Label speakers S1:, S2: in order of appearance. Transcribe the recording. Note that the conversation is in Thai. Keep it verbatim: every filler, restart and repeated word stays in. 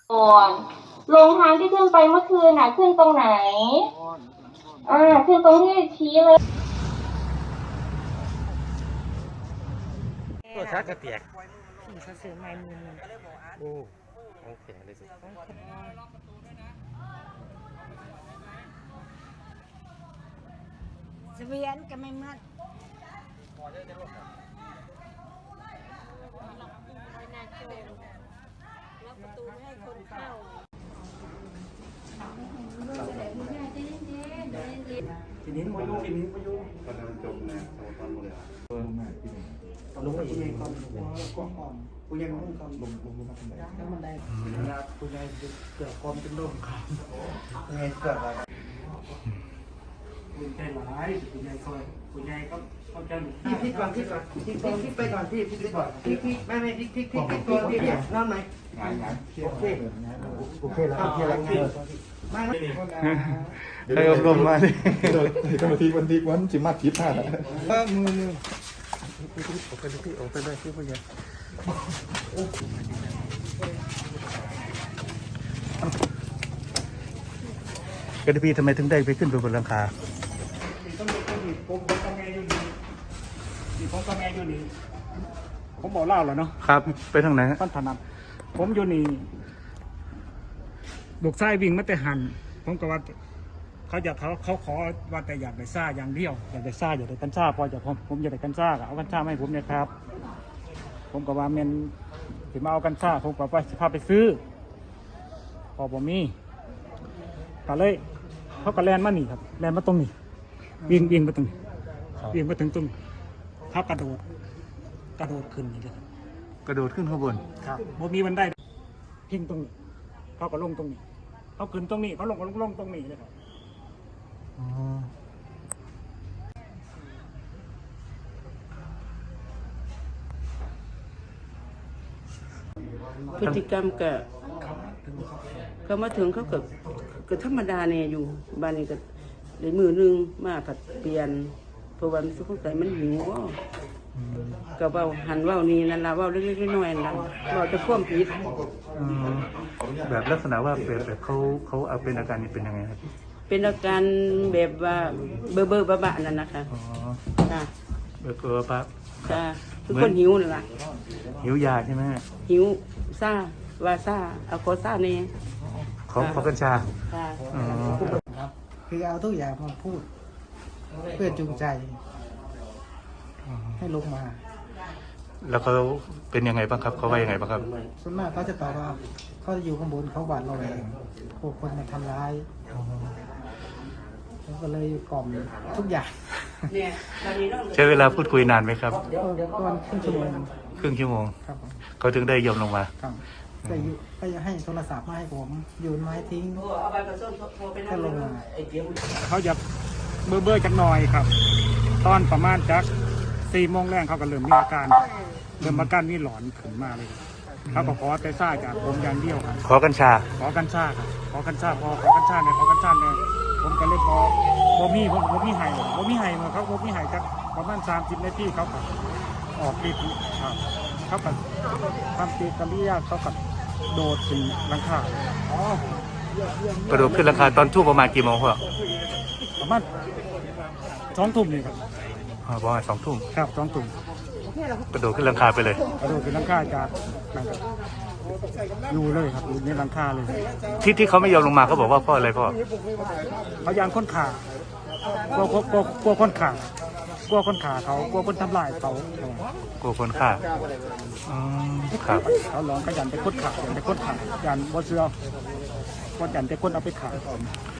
S1: ก่อนลงทางที่ขึ้นไปเมื่อคืนน่ะขึ้นตรงไหนอ่าขึ้นตรงที่ชี้เลย
S2: ตัวชักกระเตียก
S3: ขี่เขาซื้อไม้มือนึง
S2: โอ้โอเคเลยสิ
S3: เสวียนก็ไม่เหมือนล็อกประตูไม่ให้คนเข้า
S4: ทีนี้มายุ่งทีนี้มายุ่ง
S5: ตอนนั้นจบนะสมัยตอนหมดเลยเออมาที่นี่
S4: ลงไปยังไงก่อนก่อนก่อนกูยังมุ่งก่อน
S5: ลงลงลงมาทำไม
S4: แล้วมันได้กูยังเกิดความเป็นลมครับยังไงเกิดอะไรกูใจร้ายกูยังคอยกูยังก็เข้าใจพี่พี่ก่อนพี่ก่อนพี่ก่อนพี่ไปก่อนพี่พี่ก่อนพี่พี่ไม่ไม่พี่พี่พี่พี่ตัวพี่พี่นั่นไหม
S5: งานงาน
S4: โอเคโอเคแล้วโอเคแล้วไม่ไม่
S5: ใครอบรมมาดิเดี๋ยวเจ้าหน้าที่วันที่วันจิมาทิพย์ท่านะ
S4: เออมือมือ
S2: โอเคพี่โอเคเลยพี่ผู้ใหญ่กระดิ่งทำไมถึงได้ไปขึ้นไปบนหลังคา
S4: ต้องมีต้องมีผมผมกับแม่อยู่นี่นี่ผมกับแม่อยู่นี่ผมบอกเล่าแล้วเนาะ
S2: ครับไปทางไหน
S4: ท่านถนัดผมอยู่นี่ลูกชายวิ่งมาแต่หันผมก็ว่าเขาอยากเขาเขาขอว่าแต่อยากได้ซ่าอย่างเดียวอยากได้ซ่าอยากได้กัญชาพอจะผมผมอยากได้กัญชาเอากัญชามาให้ผมเนี่ยครับ ผมก็ว่าเมนถึงมาเอากัญชาผมก็ไปพาไปซื้อ พอผมมีก็เลยเขาก็แลนมานี่ครับแลนมาตรงนี้วิ่งวิ่งมาตรงนี้วิ่งมาถึงตรงเขากระโดดกระโดดขึ้นนี่เลยครับ
S2: กระโดดขึ้นข้างบน
S4: ครับบ่มีบันไดพิงตรงนี้เขาก็ลงตรงนี้เขาขึ้นตรงนี้เขาลงก็ลงลงตรงนี้เลยครับ
S2: อ๋อ
S6: พฤติกรรมก็ก็มาถึงเขาก็ก็ธรรมดาเนี่ยอยู่บ้านนี้ก็เลยมือนึงมาผัดเปลี่ยนเพราะว่ามันสงสัยมันหิวว่าก็เว้าหันเว้านี่นั่นละเว้าเล็กๆน้อยๆนั่นเว้าจะพ่วมผิด
S2: อืมแบบลักษณะว่าแบบแบบเขาเขาเอาเป็นอาการนี้เป็นยังไงครับ
S6: เป็นอาการแบบว่าเบอร์เบอร์บ้าๆนั่นนะคะ
S2: อ๋อ
S6: ค่ะ
S2: แบบเออปะ
S6: ค่ะคือคนหิวนั่นแหละ
S2: หิวยาใช่ไหม
S6: หิวซ่าว่าซ่าเอาโคซ่าเนี่ย
S2: ขอขอกัญชา
S6: ค่ะ
S2: อ๋อ
S4: ครับคือเอาทุกอย่างมาพูด เพื่อจูงใจ ให้ลงมา
S2: แล้วเขาเป็นยังไงบ้างครับเขาว่ายังไงบ้างครับ
S4: ส่วนมากเขาจะตอบว่าเขาจะอยู่ข้างบนเขาหวาดระแวงพวกคนมาทำร้ายผมก็เลยกล่อมทุกอย่าง
S6: เนี่ยตอนนี้เรา
S2: ใช้เวลาพูดคุยนานไหมครับ
S4: ก็ประมาณครึ่งชั่วโมง
S2: ครึ่งชั่วโมง
S4: ครับผม
S2: เขาถึงได้ยอมลงมา
S4: ครับก็อยู่ก็จะให้โทรศัพท์มาให้ผมโยนไม้ทิ้ง
S6: เอาใบกระส้มโทรไปนั่
S4: ก็
S6: ง
S4: ลงมา
S6: ไอ้เดี๋ยว
S4: เขาจะเบื่อเบื่อจักหน่อยครับ ตอนประมาณจักสี่โมงแรกเขาก็เริ่มมีอาการเริ่มอาการนี่หลอนขึ้นมาเลยเขาก็ขอแต่ซ่าจากผมอย่างเดียวครับ
S2: ขอกัญชา
S4: ขอกัญชาครับขอกัญชาพอขอกัญชาเนี่ยขอกัญชาเนี่ยผมก็เลยพอบ่มีผมบ่มีไห้บ่มีไห้มาเขาบ่มีไห้จักประมาณสามสิบนาทีเขาก็ออกฤทธิ์ครับเขาก็ทำปฏิกิริยาเขาก็โดดถึงหลังคาก
S2: ระโดดขึ้นราคาตอนช่วงประมาณกี่โมงพ่อ
S4: ประมาณสองทุ่มนี่ครับ
S2: อ๋อประมาณสองทุ่ม
S4: ครับสองทุ่ม
S2: กระโดดขึ้นราคาไปเลย
S4: กระโดดขึ้นหลังคาจากนั่นครับอยู่เลยครับอยู่ในหลังคาเลย
S2: ที่ที่เขาไม่ยอมลงมาเขาบอกว่าพ่ออะไรพ่อ
S4: เขายางค้นขากลัวกลัวกลัวกลัวค้นขากลัวค้นขาเขากลัวคนทำลายเขา
S2: กลัวคนฆ่าอืมครับ
S4: เขาหลอนเขายันไปค้นขายันไปค้นขายันบ่เสือก็ยันไปค้นเอาไปขา